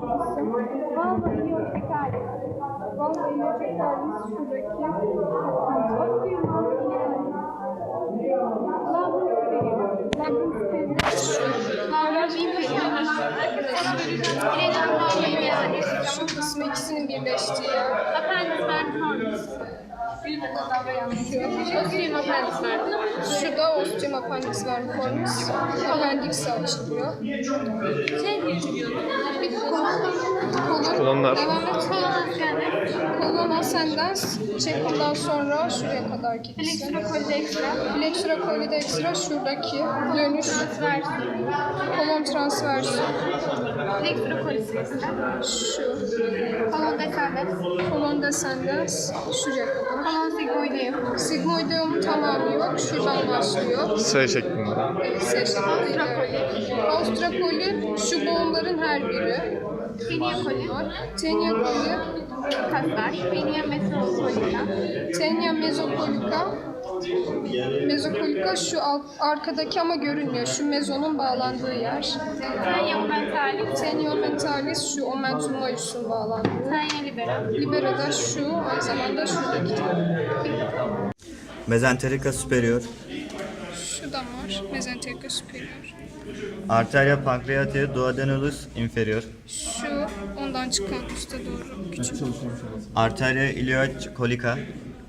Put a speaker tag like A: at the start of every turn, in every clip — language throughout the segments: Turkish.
A: Vallahi iliyotekali. Vallahi iliyotekali şuradaki. Şu kısmı ikisinin birleştiği yer. Şu da ostium appendix vermiformis. Appendix açılıyor.
B: Kolonlar.
A: Kolon ascendens. Ondan sonra şuraya kadar gitsin. Flexura colli şuradaki dönüş. Kolon transversi. Şu. Kolon descendens. Şuraya kadar. Sigmoideum tamamı yok. Şuradan başlıyor.
B: S şeklinde.
A: S şeklinde. Ostracoli şu boğumların her biri. Tenia coli. Tenia mesopolica. Mesopolica şu arkadaki ama görünmüyor. Şu mezonun bağlandığı yer. Tenia mentalis şu omentum majus'un bağlandığı. Libera da şu, aynı zamanda şuradaki.
C: Mesenterica superior.
A: Şu da var. Mesenterica superior.
C: Arteria pancreatia duodenalus inferior.
A: Şu ondan çıkan üste doğru küçük.
C: Arteria iliac colica.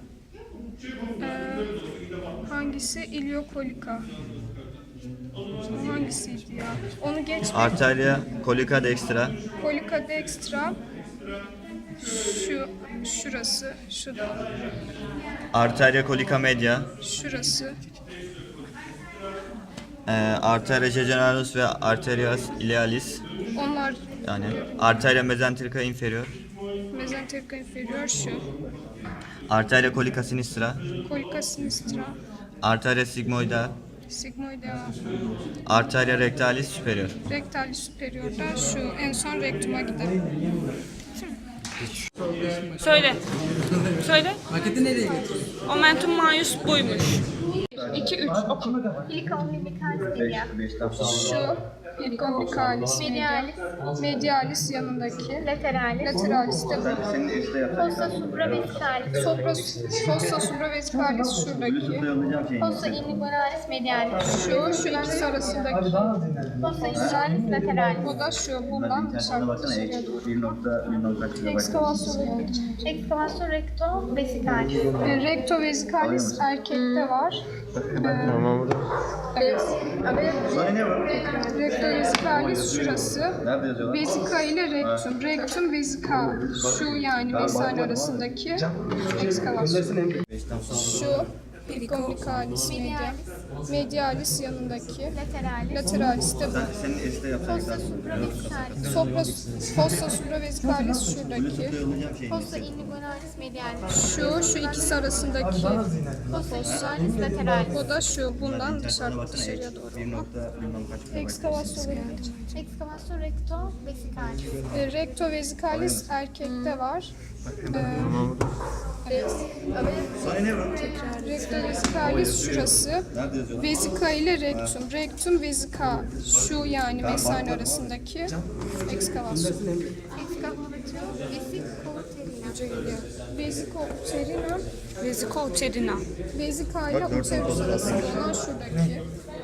A: Hangisi? Iliokolika. Hangisiydi ya? Onu geç.
C: Arteria colica dextra.
A: Kolika dextra. Şurası. Şu da.
C: Arteria colica media.
A: Şurası.
C: Arteria jejunarus ve arterias ilialis.
A: Onlar
C: Yani arteria mesenterica inferior.
A: mesenterica inferior şu.
C: Arteria colica sinistra.
A: Kolika sinistra.
C: Arteria sigmoidea.
A: Sigmoidea.
C: Arteria rectalis superior.
A: Rectalis superior'da şu. En son rektuma gidelim.
D: Söyle. Söyle.
E: Maketi nereye götürüyorsun?
D: Omentum maius buymuş.
A: 2 3 oku. Şu ilgombicalis medialis yanındaki. Lateralis de bu.
F: Fossa supravesicalis.
A: Fossa supravesicalis şuradaki.
F: Fossa inguinalis medialis.
A: Şu ikisi arasındaki.
F: Fossa inguinalis lateralis.
A: Bu da şu. Bundan dışarıya doğru. Ekskavasyon.
F: Excavasyon recto vesicalis.
A: Recto vesicalis erkekte var.
B: Tamam.
A: Recto vesicalis şurası. Vesika ile rektum. Rektum vesika. Şu yani mesane arasındaki ekskavasyon. Şu ilgombicalis medialis yanındaki. Lateralis de bu.
F: Fossa supravesicalis.
A: Fossa supravesicalis şuradaki.
F: Fossa inguinalis medialis.
A: Şu ikisi arasındaki.
F: Fossa inguinalis lateralis.
A: Bu da şu. Bundan dışarıya doğru. Ekskavasyon.
F: Excavasyon recto vesicalis.
A: Recto vesicalis erkekte var. Recto vesicalis şurası. Vesika ile rektum. Rektum vesika. Şu yani mesane arasındaki ekskavasyon. Vesiko-uterina.
D: Vesiko-uterina.
A: Vesika ile uterus arasında olan şuradaki.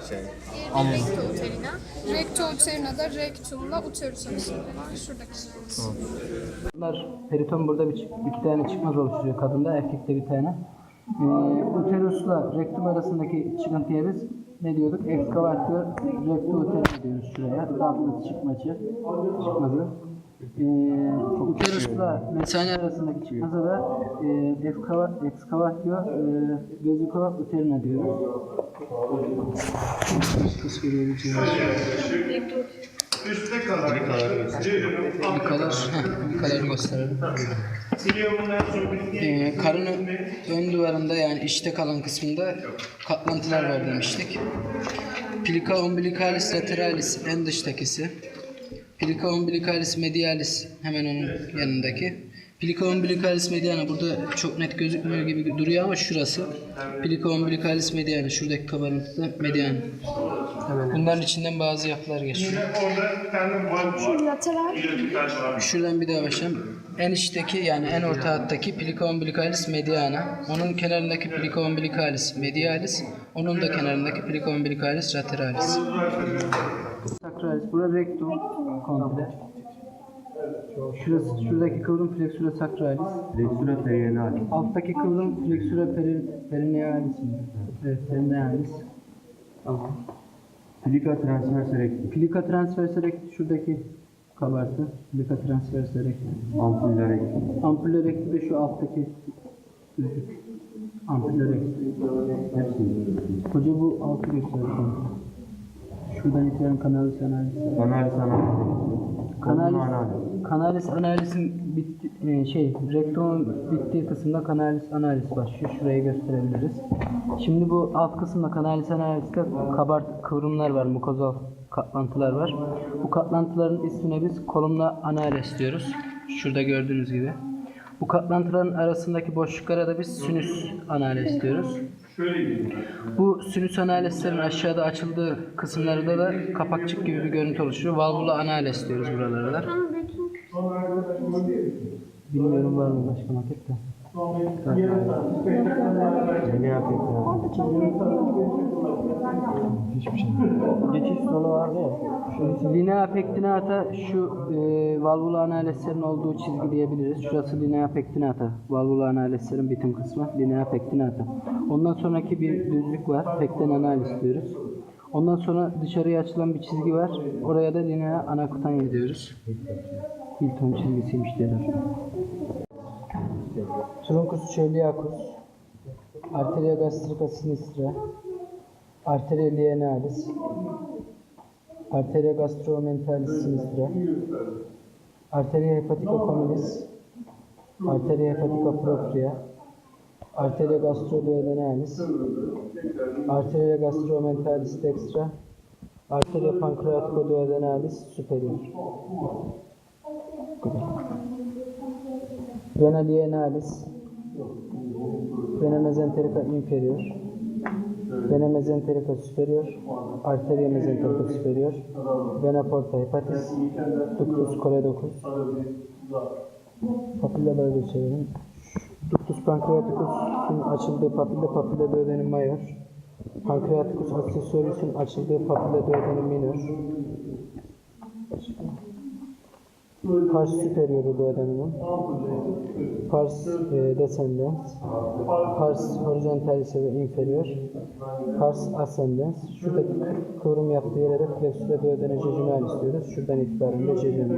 A: Recto-uterina da rektumla uterus arasında olan şuradaki.
E: Bunlar periton burada iki tane çıkmaz oluşturuyor kadında, erkekte bir tane. Uterusla rektum arasındaki çıkıntıya biz ne diyorduk? Ekskavatör rekto-uterina diyoruz şuraya. Dalgası çıkmazı. Uterusla mesane arasındaki çıkmazı da ekskavatör vesiko-uterina diyoruz. Bir kadar gösterelim. Karının ön duvarında yani içte kalan kısmında katlantılar var demiştik. Plica umbilicalis lateralis en dıştakisi. Plica umbilicalis medialis hemen onun yanındaki. Plica umbilicalis mediana burada çok net gözükmüyor gibi duruyor ama şurası. Plica umbilicalis mediana şuradaki kabarıntıda median Bunların içinden bazı yapılar geçiyor.
A: Şu lateral.
E: Şuradan bir daha başlayalım. En içteki yani en orta hattaki plica umbilicalis mediana. Onun kenarındaki plica umbilicalis medialis. Onun da kenarındaki plica umbilicalis lateralis. Sacralis. Burası rectum komple. Şuradaki kıvrım flexura sacralis.
B: Flexura perinealis.
E: Alttaki kıvrım flexura perinealis mi? Evet, perinealis. Tamam.
B: Plica transversa recti.
E: Plica transversa recti şuradaki kabartı. Plica transversa recti.
B: Ampulla recti.
E: Ampulla recti de şu alttaki düzlük. Ampulla recti.
B: Hepsi.
E: Hoca bu altı gösteriyor. Şuradan itibaren kanalis analiz.
B: Analis analis.
E: Kanalis analizin rektumun bittiği kısımda kanalis analiz başlıyor. Şurayı gösterebiliriz. Şimdi bu alt kısımda kanalis analizde kıvrımlar var, mukozal katlantılar var. Bu katlantıların ismine biz kolumna analiz diyoruz. Şurada gördüğünüz gibi. Bu katlantıların arasındaki boşluklara da biz sinüs analiz diyoruz. Bu sinüs analizlerin aşağıda açıldığı kısımlarda da kapakçık gibi bir görüntü oluşuyor. Valvula analiz diyoruz buralara da. Bilmiyorum var mı başka maket de.
B: Ne yapayım ya? Hiçbir şey. Geçiş sonu vardı ya.
E: Linea pectinata şu valvula analizlerin olduğu çizgi diyebiliriz. Şurası linea pectinata. Valvula analizlerin bitim kısmı linea pectinata. Ondan sonraki bir düzlük var. Pecten analiz diyoruz. Ondan sonra dışarıya açılan bir çizgi var. Oraya da linea anacutania diyoruz. Hilton çizgisiymiş derler. Truncus coeliacus, Arteria gastrica sinistra, Arteria lienalis, Arteria gastromentalis sinistra, Arteria hepatica communis, Arteria hepatica propria, Arteria gastroduodenalis, Arteria gastromentalis dextra, Arteria pancreaticoduodenalis superior. Vena lienalis, vena mesenterica inferior, vena mesenterica superior, arteria mesenterica superior, vena porta hepatis, ductus choledocus, papillaları gösterelim. Ductus pancreaticus'un açıldığı papilla duodenum major, pancreaticus accessorius'un açıldığı papilla duodenum minor, pars superioru duodenumum, pars descendens, pars horizontalis ve inferior, pars ascendens. Şuradaki kıvrım yaptığı yere de flexura duodene jejunal istiyoruz. Şuradan itibaren de jejunal.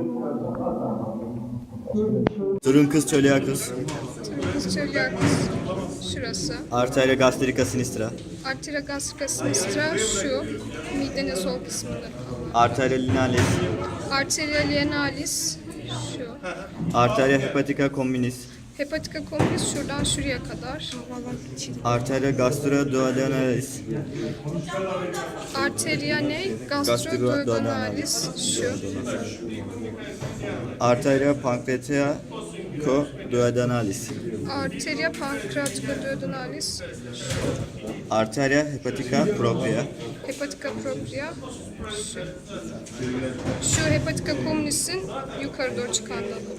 C: Truncus coeliacus.
A: Truncus coeliacus. Şurası.
C: Arteria gastrica sinistra.
A: Arteria gastrica sinistra şu. Midenin sol kısmında.
C: Arteria linealis.
A: Arteria lienalis şu.
C: Arteria hepatica communis.
A: Hepatica communis şuradan şuraya kadar.
C: Arteria gastroduodenalis.
A: Arteria ne? Gastroduodenalis şu.
C: Arteria pancreaticoduodenalis.
A: Arteria pancreaticoduodenalis.
C: Arteria hepatica propria.
A: Hepatica propria şu. Şu hepatica communis'in yukarı doğru çıkan dalı.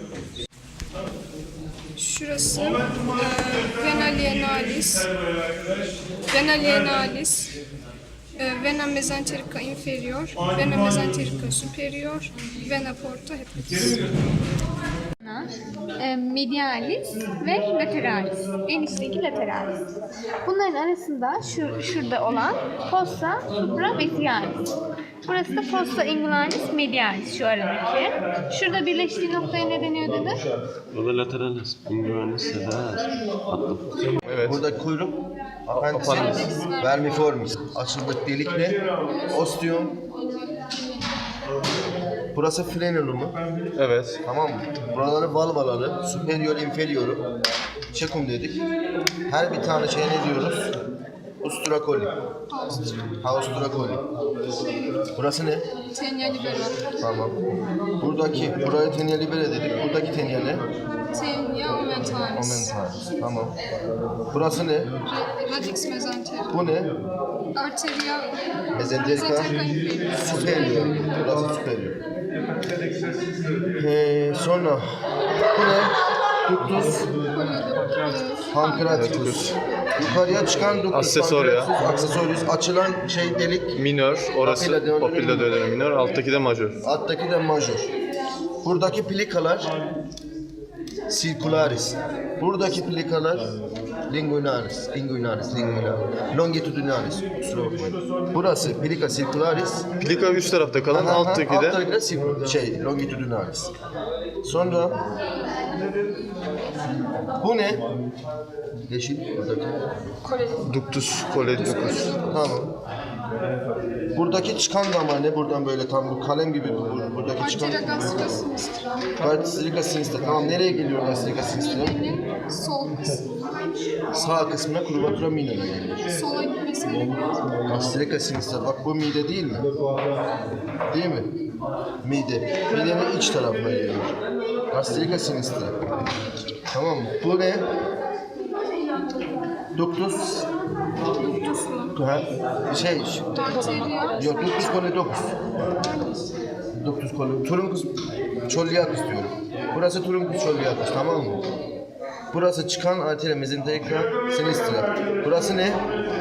A: Şurası vena lienalis, vena lienalis, vena mesenterica inferior, vena mesenterica superior, vena porta hepatis.
F: Medialis ve lateralis. En içteki lateralis. Bunların arasında şurada olan fossa supravesicalis. Burası da fossa ingularis medialis şu aradaki. Şurada birleştiği noktaya ne deniyor dedi?
G: Burada lateralis, ingularis, lateralis. Attım.
H: Evet. Burada kuyruk, appendicis, vermiformis. Açıldık delik ne? Ostium. Burası frenumu.
G: Evet.
H: Tamam mı? Buraları valvaları, superior, inferioru. Çekum dedik. Her bir tane şeye ne diyoruz? Ustura coli. Haustura coli. Burası ne?
A: Tenia libera.
H: Tamam. Buraya tenia libera dedik. Buradaki tenia ne?
A: Tenia aumentalis.
H: Aumentalis. Tamam. Burası ne?
A: Radix mesenterica.
H: Bu ne?
A: Arteria
H: Mesenterica
A: mesenterica inferior.
H: superior. Burası superior. Sonra bu ne? Ductus pancreaticus. Yukarıya çıkan ductus
G: Accessoria.
H: pancreaticus, accessorius, açılan şey delik.
G: Minör, orası
H: Papilla
G: papilla duodenum minör, alttaki de majör.
H: Alttaki de major. Buradaki plikalar circularis. Buradaki plikalar linguinalis. Longitudinalis. Kusura bakmayın. Burası plika circularis.
G: Plika üst tarafta kalan, alttaki de
H: Alttaki de longitudinalis. Sonra bu ne? Yeşil buradaki.
G: ductus colecticus.
H: Tamam. Buradaki çıkan damar ne? Buradan böyle tam bu kalem gibi buradaki çıkan.
A: Arteria gastrica sinistra.
H: Gastrica sinistra. Tamam, nereye geliyor gastrica sinistra?
A: Midenin sol kısmı.
H: Sağ kısmına curvatura minora geliyor.
A: Sola gitmesi gerekiyor.
H: Gastrica sinistra. Bak bu mide değil mi? Değil mi? Mide. Midenin iç tarafına geliyor. Gastrica sinistra. Tamam mı? Bu ne? Ductus. Ha,
A: Arteria.
H: Yok, ductus colecticus. Ductus colecticus. Truncus choliacus diyorum. Burası truncus choliacus, tamam mı? Burası çıkan arteria mesenterica sinistra. Burası ne?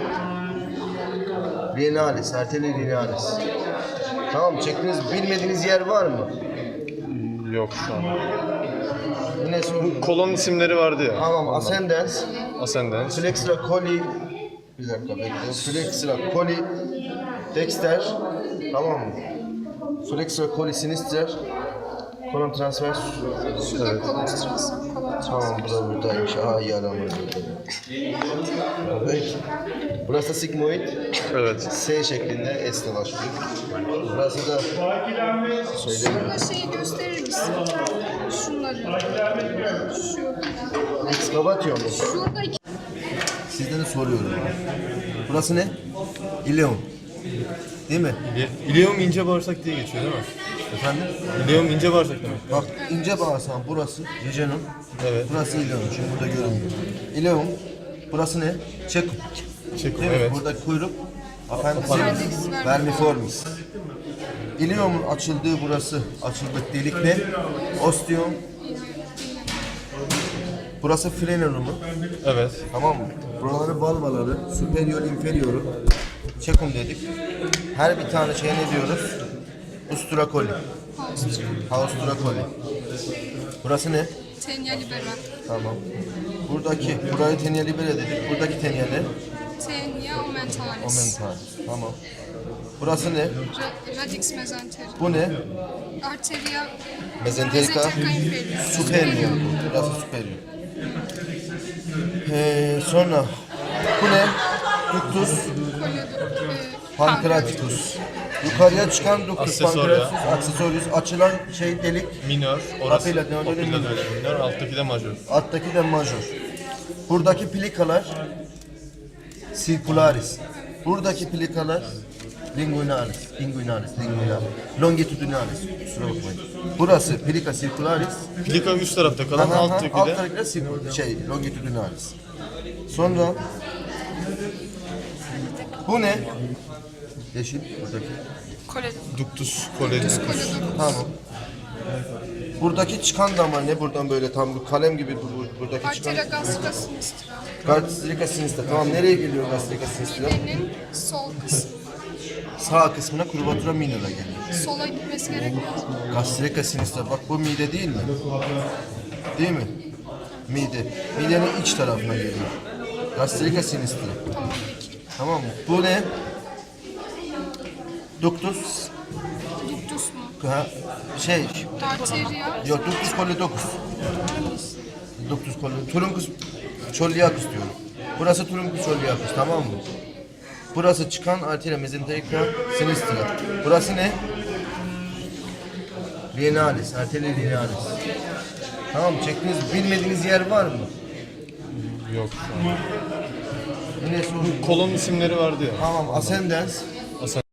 H: Renalis, arteria renalis. Tamam mı? Çektiğiniz, bilmediğiniz yer var mı?
G: Yok şu an.
H: Yine sorun.
G: Kolon isimleri vardı ya.
H: Tamam, ascendens,
G: Ascendens.
H: flexra coli, bir dakika bekle. Flexra coli dexter, tamam mı? Flexra coli sinister, kolon transvers.
A: Şurada kolostras.
H: Tamam, bu da buradaymış. Aa, iyi adamlar. Evet. Burası da sigmoid.
G: Evet.
H: S şeklinde, S ile başlıyor. Burası da söylemiyorum.
A: Şurada şeyi gösterir misin? Şunları. Şu.
H: Excavatio mu?
A: Şurada iki
H: Sizden de soruyorum. Burası ne? İleum. Değil mi?
G: İleum ince bağırsak diye geçiyor değil mi?
H: Efendim?
G: İleum ince bağırsak demek.
H: Bak, ince bağırsağın burası jejunum.
G: Evet.
H: Burası ileum. Şimdi burada görünmüyor. İleum. Burası ne? Çekum.
G: Çekum,
H: Değil mi?
G: evet.
H: Burada kuyruk. Appendicis vermiformis. İleum'un açıldığı burası. Açıldık delik ne? Ostium. Burası frenumu.
G: Evet.
H: Tamam mı? Buraları valvaları, superior, inferioru. Çekum dedik. Her bir tane şeye ne diyoruz? Ustura coli. Haustura coli. Burası ne?
A: tenia libera.
H: Tamam. Burayı tenia libera dedik. Buradaki tenia ne?
A: Tenia aumentalis.
H: Aumentalis. Tamam. Burası ne?
A: Radix mesenterica.
H: Bu ne?
A: Arteria
H: Mesenterica
A: inferior.
H: superior. Burası superior. Sonra bu ne? Ductus pancreaticus. Yukarıya çıkan ductus
G: Accessoria.
H: pancreaticus, accessorius, açılan şey delik.
G: Minör, orası
H: Papilla duodenum
G: papilla
H: minör.
G: duodenum minör, alttaki de majör.
H: Alttaki de major. Buradaki plikalar circularis. Buradaki plikalar linguinalis, longitudinalis. Kusura bakmayın. Burası plika circularis.
G: Plika üst tarafta kalan, alttaki de
H: Alttaki de longitudinalis. Sonra bu ne? Yeşil buradaki.
G: ductus colecticus.
H: Tamam. Buradaki çıkan damar ne? Buradan böyle tam bir kalem gibi buradaki çıkan.
A: Arteria gastrica sinistra.
H: Gastrica sinistra. Tamam, nereye geliyor gastrica sinistra?
A: Midenin sol kısmı.
H: Sağ kısmına curvatura minora geliyor.
A: Sola gitmesi gerekiyor.
H: Gastrica sinistra. Bak bu mide değil mi? Değil mi? Mide. Midenin iç tarafına geliyor. Gastrica sinistra.
A: Tamam peki.
H: Tamam mı? Bu ne? Ductus.
A: Ductus mu?
H: Ha,
A: Arteria.
H: yok, ductus colecticus. Ductus colecticus. Truncus choliacus diyorum. Burası truncus choliacus, tamam mı? Burası çıkan arteria mesenterica sinistra. Burası ne? Renalis, arteria renalis. Tamam mı? Çektiğiniz, bilmediğiniz yer var mı?
G: Yok şu an.
H: Neresi uzun?
G: Kolon isimleri vardı ya.
H: Tamam, ascendens.